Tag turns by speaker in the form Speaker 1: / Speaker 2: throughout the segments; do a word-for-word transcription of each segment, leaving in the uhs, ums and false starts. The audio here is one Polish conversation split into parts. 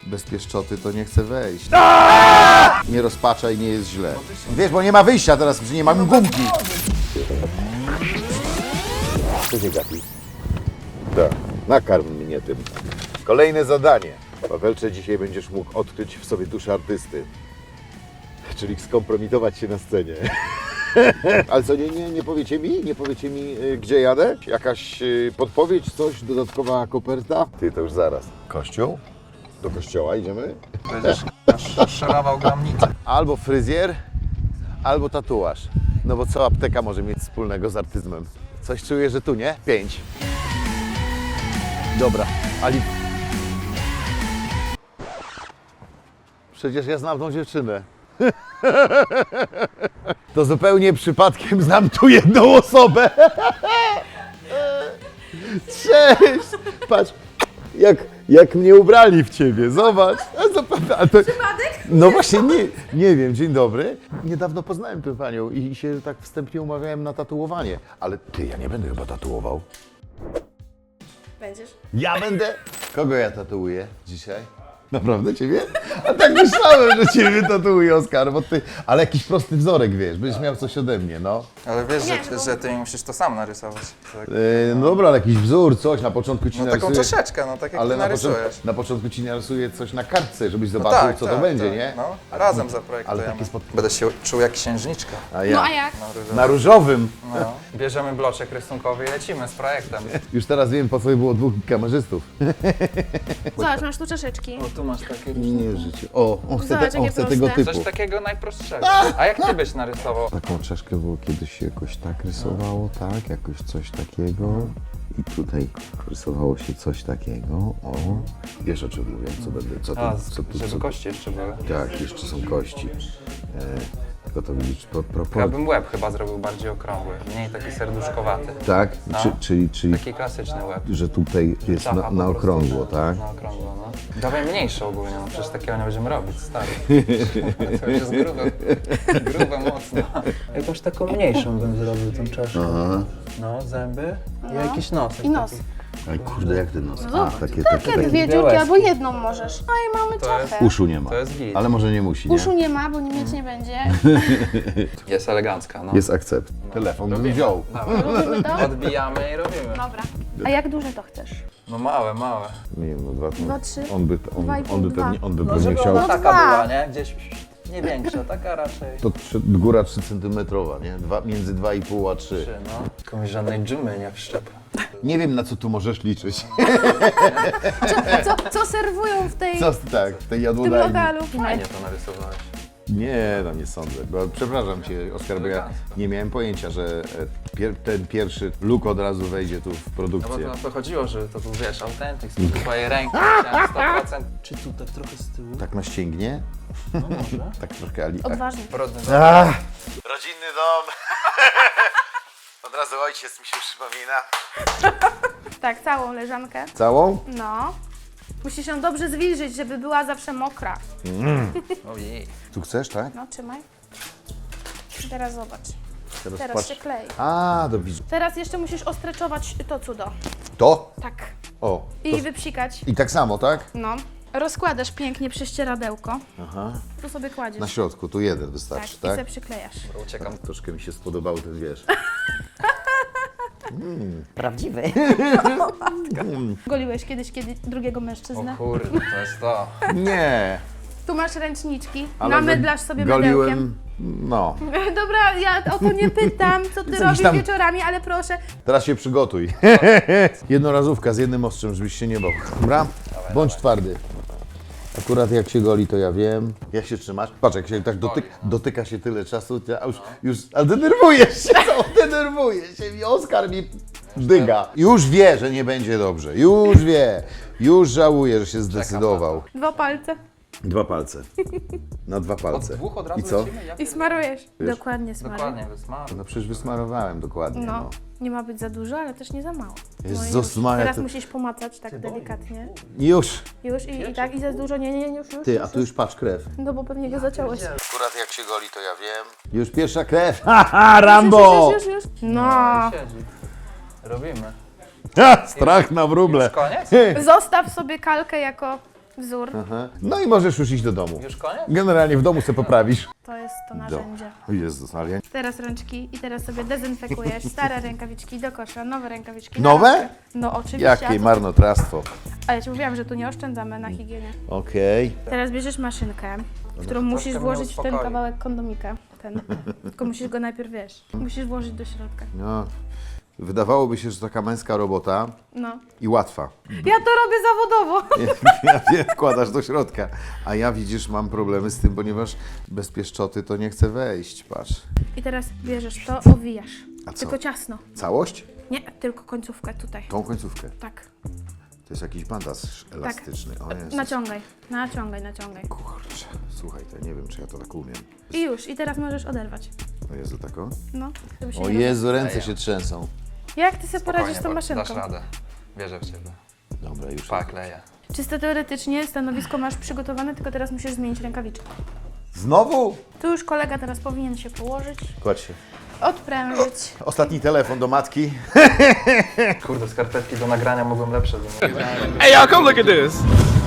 Speaker 1: bez pieszczoty to nie chce wejść. Nie rozpaczaj, nie jest źle. Wiesz, bo nie ma wyjścia teraz, że nie mam gumki. Co się gapi? Tak, nakarm mnie tym. Kolejne zadanie. Pawelcze, dzisiaj będziesz mógł odkryć w sobie duszę artysty. Czyli skompromitować się na scenie. Ale co, nie, nie, nie powiecie mi? Nie powiecie mi, y, gdzie jadę? Jakaś y, podpowiedź, coś, dodatkowa koperta? Ty, to już zaraz. Kościół? Do kościoła idziemy?
Speaker 2: Będziesz szorował gramnicę.
Speaker 1: Albo fryzjer, albo tatuaż. No bo co apteka może mieć wspólnego z artyzmem? Coś czuję, że tu, nie? Pięć. Dobra, Ali... Przecież ja znam tą dziewczynę. To zupełnie przypadkiem znam tu jedną osobę. Cześć! Patrz, jak, jak mnie ubrali w ciebie, zobacz. A to,
Speaker 3: Przypadek?
Speaker 1: no właśnie, nie, nie wiem, dzień dobry. Niedawno poznałem tę panią i się tak wstępnie umawiałem na tatuowanie. Ale ty, ja nie będę chyba tatuował.
Speaker 3: Będziesz?
Speaker 1: Ja będę? Kogo ja tatuuję dzisiaj? Naprawdę ciebie? A tak myślałem, że ciebie tatuuje, Oskar, bo ty... Ale jakiś prosty wzorek, wiesz, będziesz miał coś ode mnie, no.
Speaker 2: Ale wiesz,
Speaker 3: Nie,
Speaker 2: że,
Speaker 3: bo-
Speaker 2: że ty mi musisz to sam narysować. Tak.
Speaker 1: Yy, no dobra, ale jakiś wzór, coś, na początku ci
Speaker 2: No taką
Speaker 1: narysuję...
Speaker 2: troszeczkę, no tak jak
Speaker 1: Ale
Speaker 2: ty
Speaker 1: na początku,
Speaker 2: narysujesz.
Speaker 1: na początku ci narysuję coś na kartce, żebyś
Speaker 2: No
Speaker 1: zobaczył,
Speaker 2: tak,
Speaker 1: co
Speaker 2: tak,
Speaker 1: to będzie,
Speaker 2: tak.
Speaker 1: nie?
Speaker 2: No, razem
Speaker 1: Ale
Speaker 2: zaprojektujemy.
Speaker 1: takie spod...
Speaker 2: Będę się czuł jak księżniczka.
Speaker 1: A ja?
Speaker 3: No a jak?
Speaker 2: Na różowo.
Speaker 1: Na różowym.
Speaker 2: No. Bierzemy bloczek rysunkowy i lecimy z projektem.
Speaker 1: Już teraz wiem, po co było dwóch kamerzystów.
Speaker 3: Zobacz, masz tu czaszeczki.
Speaker 2: O, tu masz takie...
Speaker 1: Nie, życie. O, on chce,
Speaker 3: Zobacz,
Speaker 1: te, on
Speaker 3: jakie
Speaker 1: chce tego
Speaker 3: proste.
Speaker 1: typu.
Speaker 2: Coś takiego najprostszego. A jak ty byś narysował?
Speaker 4: Taką czaszkę było kiedyś się jakoś tak rysowało, tak, jakoś coś takiego. I tutaj rysowało się coś takiego, o.
Speaker 1: Wiesz, o czym mówię, co będę, co tu,
Speaker 2: A,
Speaker 1: co tu,
Speaker 2: żeby
Speaker 1: co tu.
Speaker 2: kości jeszcze były.
Speaker 1: Tak, jeszcze są kości. E, tylko to widzisz, pro,
Speaker 2: Ja
Speaker 1: propos...
Speaker 2: bym łeb chyba zrobił bardziej okrągły, mniej taki serduszkowaty.
Speaker 1: Tak,
Speaker 2: No.
Speaker 1: czy, czyli, czyli
Speaker 2: Taki klasyczny łeb.
Speaker 1: że tutaj jest
Speaker 2: Czacha
Speaker 1: na,
Speaker 2: po
Speaker 1: na
Speaker 2: prostu.
Speaker 1: okrągło, tak?
Speaker 2: Na okrągło, no. Dawaj mniejsze ogólnie, no przecież takiego nie będziemy robić, stary. To już jest grube, grube mocno. Jakąś taką mniejszą bym zrobił tą czaszkę.
Speaker 1: Aha.
Speaker 2: No, zęby i jakiś nos.
Speaker 3: I nos.
Speaker 1: Aj kurde, jak ten nos? A,
Speaker 3: Zobacz,
Speaker 1: takie,
Speaker 3: takie
Speaker 1: takie, takie.
Speaker 3: dwie dziurki,
Speaker 2: białeczki.
Speaker 3: albo jedną możesz. No i mamy
Speaker 2: To jest-
Speaker 3: czachę.
Speaker 1: Uszu nie ma,
Speaker 2: To jest git.
Speaker 1: ale może nie musi, nie?
Speaker 3: Uszu nie ma, bo nie mieć nie będzie.
Speaker 2: Jest elegancka, no.
Speaker 1: Jest akcept. Telefon bym wziął.
Speaker 3: Robimy to?
Speaker 2: Odbijamy i robimy.
Speaker 3: Dobra. A jak duże to chcesz?
Speaker 2: No małe, małe.
Speaker 1: Nie wiem, no dwa,
Speaker 3: Dwa, trzy,
Speaker 1: on by, on,
Speaker 3: dwa i pół,
Speaker 1: on by
Speaker 3: dwa.
Speaker 1: pewnie, on by
Speaker 2: No
Speaker 1: pewnie
Speaker 2: żeby
Speaker 1: chciał...
Speaker 2: ona taka
Speaker 3: dwa.
Speaker 2: była, nie? Gdzieś nie większa, taka raczej.
Speaker 1: To trzy, góra trzy centymetrowa, nie? Dwa, między dwa i pół a trzy.
Speaker 2: Trzy, no. Jakąś żadnej dżumy nie wszczep.
Speaker 1: Nie wiem, na co tu możesz liczyć.
Speaker 3: Co, co serwują w tej,
Speaker 1: Co tak, w tej
Speaker 3: w tym
Speaker 1: jadłodajni?
Speaker 3: lokalu?
Speaker 2: Fajnie to narysowałeś.
Speaker 1: Nie, no nie sądzę. Bo, przepraszam cię, Oskar, bo ja nie miałem pojęcia, że e, pier, ten pierwszy look od razu wejdzie tu w
Speaker 2: No bo
Speaker 1: produkcję.
Speaker 2: to, to chodziło, że to był, wiesz, autentyk, z twojej ręki, chciałem sto procent. Czy tu tak trochę z tyłu?
Speaker 1: Tak na ścięgnie?
Speaker 2: No może.
Speaker 1: Tak trochę Ali.
Speaker 3: Odważnie.
Speaker 2: Brudny
Speaker 1: Ach, rodzinny dom. Od razu ojciec mi się przypomina.
Speaker 3: Tak, całą leżankę.
Speaker 1: Całą?
Speaker 3: No. Musisz ją dobrze zwilżyć, żeby była zawsze mokra.
Speaker 2: Ojej.
Speaker 1: Tu chcesz, tak?
Speaker 3: No, trzymaj. Teraz zobacz.
Speaker 1: Teraz,
Speaker 3: Teraz
Speaker 1: patrz.
Speaker 3: się klei.
Speaker 1: A, do widzу.
Speaker 3: Teraz jeszcze musisz ostreczować to cudo.
Speaker 1: To?
Speaker 3: Tak.
Speaker 1: O.
Speaker 3: I
Speaker 1: To,
Speaker 3: wypsikać.
Speaker 1: I tak samo, tak?
Speaker 3: No. Rozkładasz pięknie prześcieradełko.
Speaker 1: Aha.
Speaker 3: Tu sobie kładziesz.
Speaker 1: Na środku, tu jeden
Speaker 3: Tak,
Speaker 1: wystarczy,
Speaker 3: i
Speaker 1: tak?
Speaker 3: sobie przyklejasz.
Speaker 2: Uciekam.
Speaker 1: Troszkę mi się spodobał ten, wiesz.
Speaker 5: Prawdziwy.
Speaker 3: Goliłeś kiedyś kiedy drugiego
Speaker 2: O
Speaker 3: mężczyznę?
Speaker 2: kurde, to jest to.
Speaker 1: Nie.
Speaker 3: Tu masz ręczniczki.
Speaker 1: Ale
Speaker 3: Namydlasz
Speaker 1: go-
Speaker 3: sobie mydełkiem.
Speaker 1: goliłem, no.
Speaker 3: Dobra, ja o to nie pytam, co ty
Speaker 1: Jakiś
Speaker 3: robisz
Speaker 1: tam-
Speaker 3: wieczorami, ale proszę.
Speaker 1: Teraz się przygotuj. Jednorazówka z jednym ostrzem, żebyś się nie bał. Dobra? Bądź twardy. Akurat jak się goli, to ja wiem. Jak się trzymasz? Patrz, jak się tak dotyka, dotyka się tyle czasu, to ja już, już, ale denerwujesz się, co? Denerwujesz się i Oskar mi dyga. Już wie, że nie będzie dobrze. Już wie. Już żałuje, że się zdecydował.
Speaker 3: Dwa palce
Speaker 1: Dwa palce. Na dwa
Speaker 2: Od
Speaker 1: palce.
Speaker 2: dwóch od razu
Speaker 1: I co?
Speaker 2: lecimy? Ja
Speaker 3: i smarujesz. Dokładnie smaruj.
Speaker 2: Dokładnie, wysmaruj.
Speaker 1: No przecież wysmarowałem dokładnie.
Speaker 3: No,
Speaker 1: No.
Speaker 3: nie ma być za dużo, ale też nie za mało. No i
Speaker 1: Jezus
Speaker 3: już.
Speaker 1: Maria,
Speaker 3: Teraz
Speaker 1: to-
Speaker 3: musisz pomacać tak delikatnie.
Speaker 1: Już.
Speaker 3: Już i, i tak, i za dużo, nie, nie, nie, już, już.
Speaker 1: Ty, a tu już patrz krew.
Speaker 3: No bo pewnie go zaciąłeś.
Speaker 1: Akurat jak się goli, to ja wiem. Już pierwsza krew. Haha, Rambo!
Speaker 3: Już, już, już, już. No.
Speaker 2: Siedzi. Robimy.
Speaker 1: Ha, strach na wróble.
Speaker 2: Już koniec?
Speaker 3: Zostaw sobie kalkę jako wzór.
Speaker 1: Aha. No i możesz już iść do domu.
Speaker 2: Już koniec?
Speaker 1: Generalnie w domu sobie poprawisz.
Speaker 3: To jest to narzędzie.
Speaker 1: O Jezus, ale ja...
Speaker 3: Teraz rączki i teraz sobie dezynfekujesz stare rękawiczki do kosza, nowe rękawiczki.
Speaker 1: Nowe?
Speaker 3: Na rączkę. No oczywiście. a
Speaker 1: Jakie
Speaker 3: co-
Speaker 1: marnotrawstwo.
Speaker 3: A ja ci mówiłam, że tu nie oszczędzamy na higienie.
Speaker 1: Okej.
Speaker 3: Teraz bierzesz maszynkę, w którą musisz
Speaker 2: mnie
Speaker 3: włożyć w ten
Speaker 2: uspokoi.
Speaker 3: kawałek kondomika. Ten. Tylko musisz go najpierw, wiesz, musisz włożyć do środka.
Speaker 1: No, wydawałoby się, że taka męska robota
Speaker 3: No.
Speaker 1: i łatwa.
Speaker 3: Ja to robię zawodowo.
Speaker 1: Ja wiem, wkładasz do środka. A ja widzisz, mam problemy z tym, ponieważ bez pieszczoty to nie chcę wejść, patrz.
Speaker 3: I teraz bierzesz to, owijasz.
Speaker 1: A co?
Speaker 3: Tylko ciasno.
Speaker 1: Całość?
Speaker 3: Nie, tylko końcówkę tutaj.
Speaker 1: Tą końcówkę.
Speaker 3: Tak.
Speaker 1: To jest jakiś bandaż elastyczny. O Jezus.
Speaker 3: Naciągaj, naciągaj, naciągaj.
Speaker 1: Kurczę, słuchaj, to ja nie wiem, czy ja to tak umiem.
Speaker 3: I już, i teraz możesz oderwać.
Speaker 1: O Jezu, taką?
Speaker 3: No. żeby się
Speaker 1: O
Speaker 3: nie
Speaker 1: Jezu, ręce się trzęsą.
Speaker 3: roz- Jak ty sobie poradzisz z tą
Speaker 2: Spokojnie,
Speaker 3: maszynką?
Speaker 2: dasz radę. Wierzę w ciebie.
Speaker 1: Dobra, już.
Speaker 2: Pa, kleję.
Speaker 3: Czysto teoretycznie stanowisko masz przygotowane, tylko teraz musisz zmienić rękawiczkę.
Speaker 1: Znowu?
Speaker 3: Tu już kolega teraz powinien się położyć,
Speaker 1: Kładź się.
Speaker 3: odprężyć.
Speaker 1: Ostatni telefon do matki.
Speaker 2: Kurde, skarpetki do nagrania mogłem lepsze wymienić.
Speaker 5: Hey y'all, come look at this.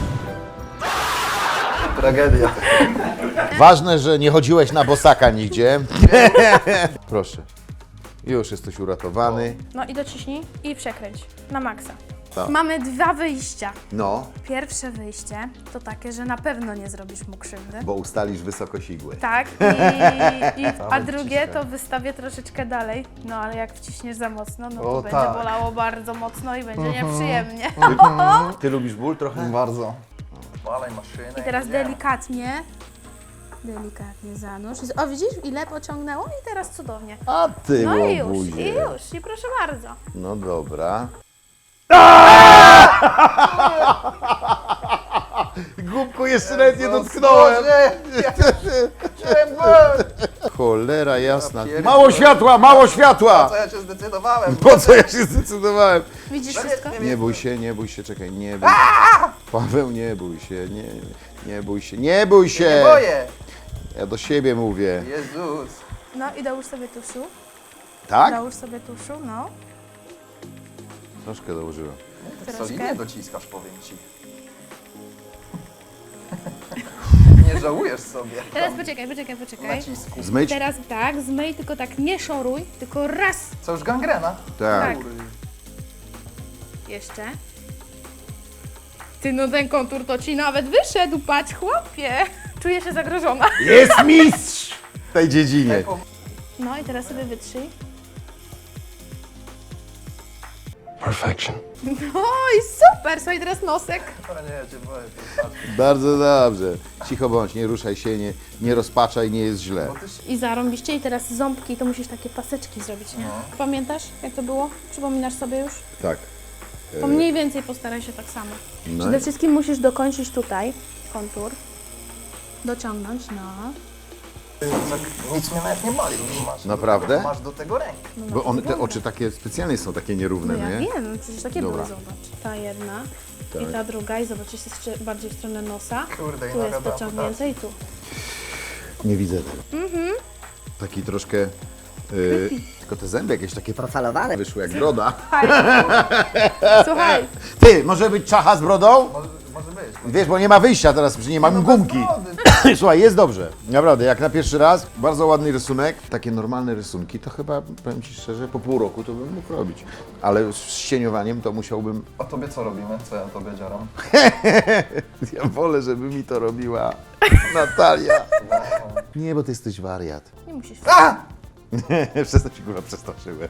Speaker 2: Tragedia.
Speaker 1: Ważne, że nie chodziłeś na bosaka nigdzie. Proszę. Już jesteś uratowany.
Speaker 3: No i dociśnij i przekręć na maksa.
Speaker 1: Tak.
Speaker 3: Mamy dwa wyjścia.
Speaker 1: No,
Speaker 3: Pierwsze wyjście to takie, że na pewno nie zrobisz mu krzywdy.
Speaker 1: bo ustalisz wysokość igły.
Speaker 3: Tak, i, i, a drugie to wystawię troszeczkę dalej. No ale jak wciśniesz za mocno, no to
Speaker 1: O,
Speaker 3: będzie
Speaker 1: tak.
Speaker 3: bolało bardzo mocno i będzie nieprzyjemnie.
Speaker 1: Ty lubisz ból trochę?
Speaker 2: Bardzo. Walej maszynę.
Speaker 3: I teraz
Speaker 2: jedziemy.
Speaker 3: delikatnie, delikatnie zanurz. O widzisz, ile pociągnęło i teraz cudownie.
Speaker 1: A ty,
Speaker 3: No i już,
Speaker 1: łobuzie.
Speaker 3: i już, i proszę bardzo.
Speaker 1: No dobra. Głupku, jeszcze nawet nie dotknąłem. Cholera jasna. Mało światła, mało światła!
Speaker 2: Co ja się zdecydowałem?
Speaker 1: Po co ja się zdecydowałem?
Speaker 3: Widzisz wszystko?
Speaker 1: Nie bój się, nie bój się, czekaj, nie bój się. Paweł, nie bój się, nie, nie bój się, nie bój się!
Speaker 2: Boję!
Speaker 1: Ja do siebie mówię.
Speaker 2: Jezus!
Speaker 3: No i dołóż sobie tuszu,
Speaker 1: Tak?
Speaker 3: dołóż sobie tuszu, no.
Speaker 1: Troszkę dołożyłem.
Speaker 3: Troszkę.
Speaker 2: dociskasz, powiem ci. Nie żałujesz sobie.
Speaker 3: Teraz poczekaj, poczekaj, poczekaj.
Speaker 2: Nacisku.
Speaker 1: Zmyć?
Speaker 3: Teraz tak, zmyj, tylko tak nie szoruj, tylko raz.
Speaker 2: Co, już gangrena?
Speaker 1: Tak.
Speaker 3: Tak. Jeszcze. Ty, no ten kontur to ci nawet wyszedł, patrz chłopie. Czuję się zagrożona.
Speaker 1: Jest mistrz w tej dziedzinie.
Speaker 3: No i teraz sobie wytrzyj.
Speaker 5: Perfection.
Speaker 3: No i super, słuchaj teraz nosek.
Speaker 2: O nie, ja cię boję.
Speaker 1: Bardzo dobrze. Cicho bądź, nie ruszaj się, nie, nie rozpaczaj, nie jest źle.
Speaker 3: I zarąbiście i teraz ząbki, to musisz takie paseczki zrobić, nie? Pamiętasz jak to było? Przypominasz sobie już?
Speaker 1: Tak.
Speaker 3: To mniej więcej postaraj się tak samo.
Speaker 1: No
Speaker 3: Przede
Speaker 1: i-
Speaker 3: wszystkim musisz dokończyć tutaj kontur. Dociągnąć, no.
Speaker 2: Nic mnie nawet nie boli. Masz,
Speaker 1: Naprawdę?
Speaker 2: Masz do tego rękę.
Speaker 1: Bo one, te oczy takie specjalnie są takie nierówne,
Speaker 3: No ja
Speaker 1: nie?
Speaker 3: wiem, przecież takie
Speaker 1: Dobra.
Speaker 3: były, zobacz. Ta jedna
Speaker 1: Tak.
Speaker 3: i ta druga i zobacz, jest jeszcze bardziej w stronę nosa.
Speaker 2: Kurde, i
Speaker 3: Tu
Speaker 2: na
Speaker 3: jest
Speaker 2: wiadomo,
Speaker 3: pociągnięte i tu.
Speaker 1: Nie widzę tego. Taki troszkę... Yy, tylko te zęby jakieś takie profalowane wyszły jak broda.
Speaker 3: Słuchaj,
Speaker 1: Ty, może być czacha z brodą?
Speaker 2: Może, może być.
Speaker 1: Wiesz, bo nie ma wyjścia teraz, że nie mam gumki. Słuchaj, jest dobrze. Naprawdę, jak na pierwszy raz, bardzo ładny rysunek. Takie normalne rysunki, to chyba, powiem Ci szczerze, po pół roku to bym mógł robić. Ale z cieniowaniem to musiałbym...
Speaker 2: A tobie co robimy? Co ja tobie dzieram?
Speaker 1: Ja wolę, żeby mi to robiła Natalia. Nie, bo Ty jesteś wariat.
Speaker 3: nie musisz.
Speaker 1: Przez to Ci kurwa przestraszyłem.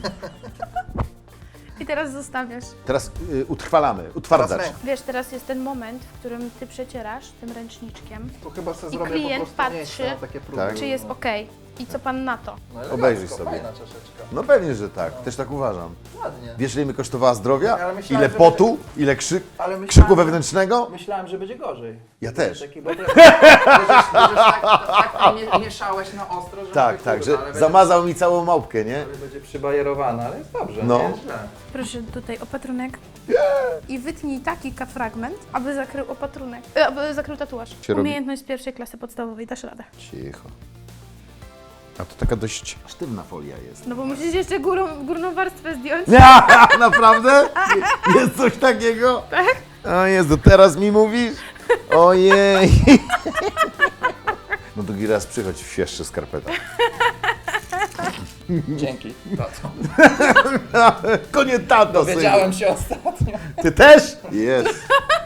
Speaker 3: I teraz zostawiasz.
Speaker 1: Teraz y, utrwalamy, utwardzacz.
Speaker 2: Teraz
Speaker 3: Wiesz, teraz jest ten moment, w którym ty przecierasz tym ręczniczkiem,
Speaker 2: To chyba sobie
Speaker 3: I
Speaker 2: zrobię
Speaker 3: klient
Speaker 2: po prostu miejsce
Speaker 3: patrzy,
Speaker 2: na takie próby.
Speaker 1: Tak.
Speaker 3: czy jest ok. I co pan na to?
Speaker 2: No,
Speaker 1: Obejrzyj
Speaker 2: elegancko,
Speaker 1: sobie.
Speaker 2: Fajna czaszeczka.
Speaker 1: No pewnie, że tak. Też tak uważam.
Speaker 2: Ładnie.
Speaker 1: Wiesz, ile mi kosztowała zdrowia?
Speaker 2: Ale myślałem,
Speaker 1: Ile
Speaker 2: że
Speaker 1: potu? Ile krzyk,
Speaker 2: Ale myślałem,
Speaker 1: krzyku
Speaker 2: że-
Speaker 1: wewnętrznego?
Speaker 2: Myślałem, że będzie gorzej.
Speaker 1: Ja też.
Speaker 2: Taki dobre... Będziesz, będziesz tak, tak mie- mieszałeś na ostro, że
Speaker 1: Tak,
Speaker 2: mówię,
Speaker 1: tak,
Speaker 2: kurde,
Speaker 1: że
Speaker 2: ale będzie-
Speaker 1: zamazał mi całą małpkę, nie?
Speaker 2: ale będzie przybajerowana, ale jest dobrze,
Speaker 1: No.
Speaker 2: nie jest źle.
Speaker 3: Proszę tutaj opatrunek. I wytnij taki ka- fragment, aby zakrył opatrunek. E, aby zakrył tatuaż.
Speaker 1: Się robi.
Speaker 3: Umiejętność z pierwszej klasy podstawowej, dasz radę.
Speaker 1: Cicho. A to taka dość sztywna folia jest.
Speaker 3: No bo musisz jeszcze górą, górną warstwę zdjąć.
Speaker 1: Naprawdę? Jest coś takiego? Tak. O Jezu, teraz mi mówisz? Ojej! No drugi raz przychodź w świeższy skarpetach.
Speaker 2: Dzięki. Tato.
Speaker 1: Konie tato, synu.
Speaker 2: Dowiedziałem się ostatnio.
Speaker 1: Ty też? Jest.